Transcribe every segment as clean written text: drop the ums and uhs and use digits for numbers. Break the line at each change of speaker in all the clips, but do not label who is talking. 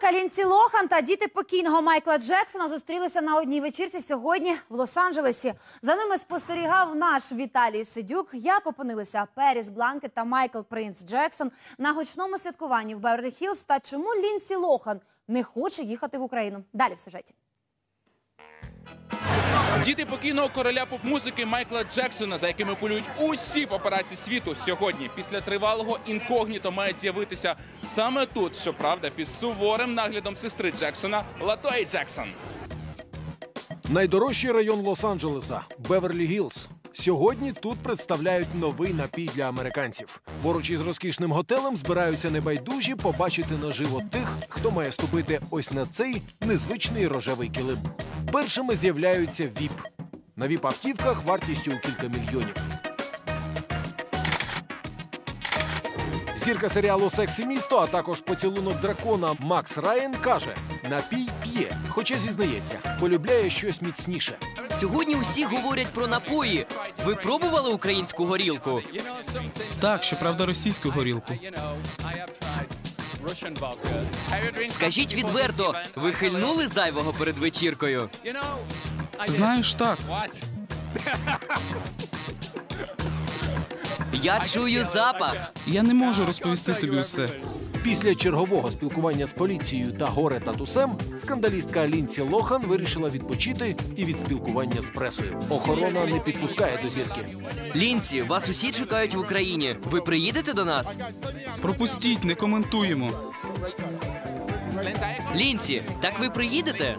Співачка Лінсі Лохан та діти покійного Майкла Джексона зустрілися на одній вечірці сьогодні в Лос-Анджелесі. За ними спостерігав наш Віталій Сидюк. Як опинилися Періс Бланкет та Майкл Принц Джексон на гучному святкуванні в Беверлі-Хіллз та чому Лінсі Лохан не хоче їхати в Україну. Далі в сюжеті.
Діти покійного короля поп-музики Майкла Джексона, за якими полюють усі папараці світу, сьогодні після тривалого інкогніто мають з'явитися саме тут, щоправда, під суворим наглядом сестри Джексона Латої Джексон.
Найдорожчий район Лос-Анджелеса – Беверлі-Гіллз. Сьогодні тут представляють новий напій для американців. Поруч із розкішним готелем збираються небайдужі побачити наживо тих, хто має ступити ось на цей незвичний рожевий килим. Першими з'являються ВІП. На ВІП-автівках вартістю у кілька мільйонів. Зірка серіалу «Секс і місто», а також «Поцілунок дракона» Макс Райан каже, напій п'є, хоча зізнається, полюбляє щось міцніше.
Сьогодні усі говорять про напої. Ви пробували українську горілку?
Так, щоправда, російську горілку.
Скажіть відверто, ви хильнули зайвого перед вечіркою?
Знаєш, так.
Я чую запах.
Я не можу розповісти тобі усе.
Після чергового спілкування з поліцією та горе-татусем скандалістка Лінсі Лохан вирішила відпочити і від спілкування з пресою. Охорона не підпускає до зірки.
Лінсі, вас усі чекають в Україні. Ви приїдете до нас?
Пропустіть, не коментуємо.
Лінсі, так ви приїдете?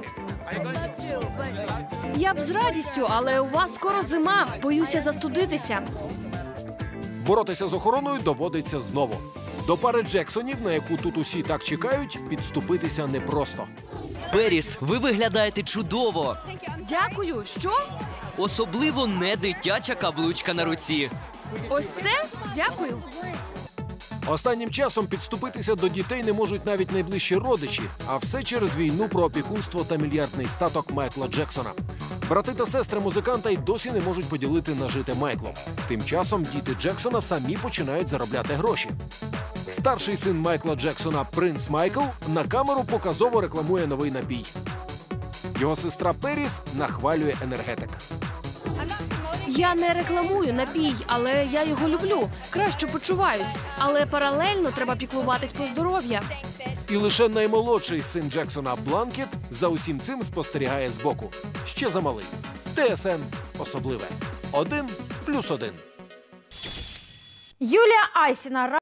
Я б з радістю, але у вас скоро зима. Боюся застудитися.
Боротися з охороною доводиться знову. До пари Джексонів, на яку тут усі так чекають, підступитися непросто.
Періс, ви виглядаєте чудово.
Дякую. Що?
Особливо не дитяча каблучка на руці.
Ось це? Дякую.
Останнім часом підступитися до дітей не можуть навіть найближчі родичі, а все через війну про опікунство та мільярдний статок Майкла Джексона. Брати та сестри музиканта й досі не можуть поділити нажите Майклом. Тим часом діти Джексона самі починають заробляти гроші. Старший син Майкла Джексона, принц Майкл, на камеру показово рекламує новий напій. Його сестра Періс нахвалює енергетик.
Я не рекламую напій, але я його люблю. Краще почуваюсь. Але паралельно треба піклуватись про здоров'я.
І лише наймолодший син Джексона Бланкет за усім цим спостерігає збоку. Ще замалий. ТСН особливе. 1+1.
Юлія Айсіна.